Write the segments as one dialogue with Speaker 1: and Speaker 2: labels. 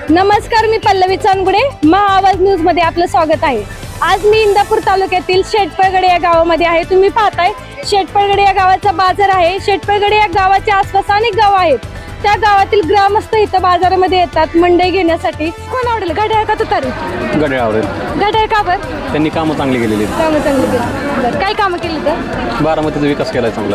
Speaker 1: नमस्कार, मी पल्लवी चांदगुडे, महाआवाज न्यूज मध्ये आपलं स्वागत आहे। आज मी इंदापूर तालुक्यातील शेटपळगडे या गावामध्ये आहे। तुम्ही पाहताय शेटपळगडे या गावाचा बाजार आहे। शेटपळगडे या गावाच्या आसपास अनेक गाव आहेत। त्या गावातील ग्रामस्थ इथं बाजारामध्ये येतात मंडई घेण्यासाठी। कोण आवडेल, घड्याळ का तुतारी?
Speaker 2: घड्याळ आवडेल।
Speaker 1: घड्याळ का बरं?
Speaker 2: त्यांनी कामं चांगली केलेली आहेत।
Speaker 1: कामं चांगली केली। बरं, काय कामं केली तर?
Speaker 2: बारामतीचा विकास केलाय चांगला।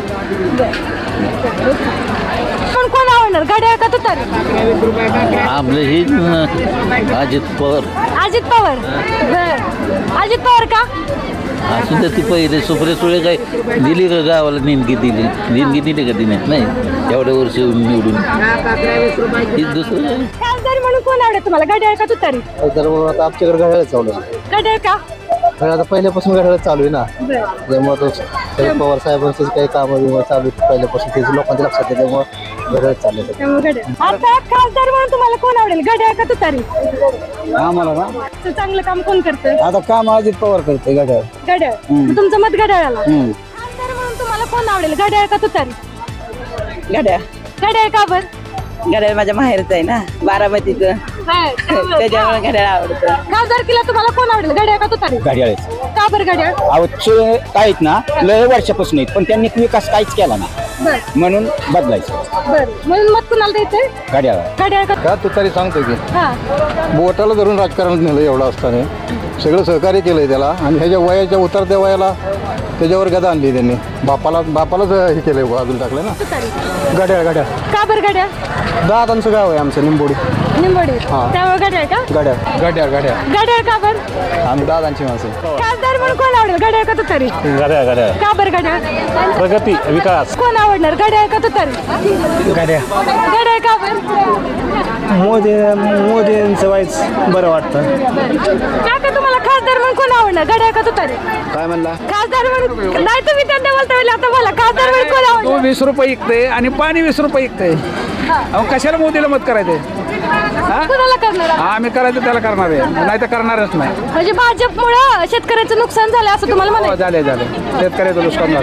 Speaker 1: पण कोण आवडणार, घड्याळ का तुतारी?
Speaker 3: आपलं ही अजित पवार.
Speaker 1: अजित पवार। बरं, अजित पवार का?
Speaker 3: असं तर ती पहिले सुप्रिया सुळे काय दिली का गावाला देणगी दिली का तिने? नाही, एवढ्या वर्ष निवडून ही दुसरं
Speaker 1: खासदार म्हणून कोण आवडेल तुम्हाला, घड्याळ का तुतारी?
Speaker 4: तर आता आमच्याकडे घड्याळ चालू आहे.
Speaker 1: घड्याळ का?
Speaker 4: आता पहिल्यापासून घड्याळ चालू आहे ना,
Speaker 1: बरं,
Speaker 4: त्यामुळे तो शरद पवार साहेबांचं काही कामं चालू आहेत पहिल्यापासून, त्याची लोकांच्या लक्षात आहे, त्यामुळे घड्याळ चालू आहे.
Speaker 1: त्यामुळे घड्याळ. आता खासदार म्हणून तुम्हाला कोण आवडेल, घड्याळ का तुतारी?
Speaker 4: आम्हाला ना
Speaker 1: तर चांगलं काम कोण करतं?
Speaker 4: आता काम अजित पवार करते घड्याळ.
Speaker 1: घड्याळ। तुमचं मत घड्याळाला? खासदार म्हणून तुम्हाला कोण आवडेल, घड्याळ का तुतारी?
Speaker 5: घड्याळ.
Speaker 1: घड्याळ का बरं?
Speaker 5: घड्याळ माझ्या माहेरचं आहे ना, बारामतीचं, त्याच्यामुळे घड्याळ आवडतं.
Speaker 1: खासदारकीला तुम्हाला कोण आवडेल, घड्याळ का तुतारी?
Speaker 6: घड्याळ
Speaker 1: का बरं घड्याळ?
Speaker 6: आवडचे आहेत ना, लय वर्षापासून आहेत, पण त्यांनी विकास काहीच केला ना,
Speaker 1: बरं
Speaker 6: म्हणून बदलायचं
Speaker 1: बरं, म्हणून मत कुणाला द्यायचंय?
Speaker 6: घड्याळ.
Speaker 1: घड्याळ का?
Speaker 4: का तू तरी सांगतो की
Speaker 1: हा,
Speaker 4: बोटाला धरून राजकारणात नेलं एवढं असताना, सगळं सहकार्य केलंय त्याला, आणि ह्याच्या वयाच्या उतरत्या वयाला त्याच्यावर गदा आणली त्यांनी, बापालाच हे केलंय, बाजूला टाकलं ना.
Speaker 1: तुतारी.
Speaker 4: घड्याळ घड्याळ
Speaker 1: का बरं घड्याळ?
Speaker 4: दादांचं गाव आहे आमचं निंबोडी.
Speaker 1: निंबोडी। त्यामुळे घड्याळ का?
Speaker 4: घड्याळ घड्याळ घड्याळ
Speaker 1: घड्याळ का बरं?
Speaker 4: आम्ही दादांची माणसं.
Speaker 1: खासदार म्हणून कोण आवडेल, घड्याळ का तुतारी?
Speaker 2: घड्याळ घड्याळ
Speaker 1: का बरं घड्याळ?
Speaker 2: प्रगती विकास
Speaker 1: कोण आवडणार, घड्याळ का तुतारी?
Speaker 4: घड्याळ
Speaker 1: घड्याळ का बरं?
Speaker 4: मोदींचं वाईच बरं वाटतं.
Speaker 1: काका, तुम्हाला खासदार म्हणून कोण आवडणार, घड्याळ का तुतारी?
Speaker 4: काय म्हणला?
Speaker 1: खासदार म्हणून नाही, तुम्ही त्यांना बोलता वेळी आता मला खासदार म्हणून कोण
Speaker 7: तो
Speaker 1: आवडणार?
Speaker 7: 20 रुपये विकते आणि पाणी 20 रुपये विकते. अहो, कशाला मोदीला मत करायचंय?
Speaker 1: कुणाला करणार?
Speaker 7: आम्ही करायचं त्याला करणार आहे, नाही तर करणारच नाही.
Speaker 1: म्हणजे भाजपमुळं शेतकऱ्याचं नुकसान झालं असं तुम्हाला
Speaker 7: हो,
Speaker 1: म्हणायचं?
Speaker 7: झाले शेतकऱ्याचं नुकसान झालं.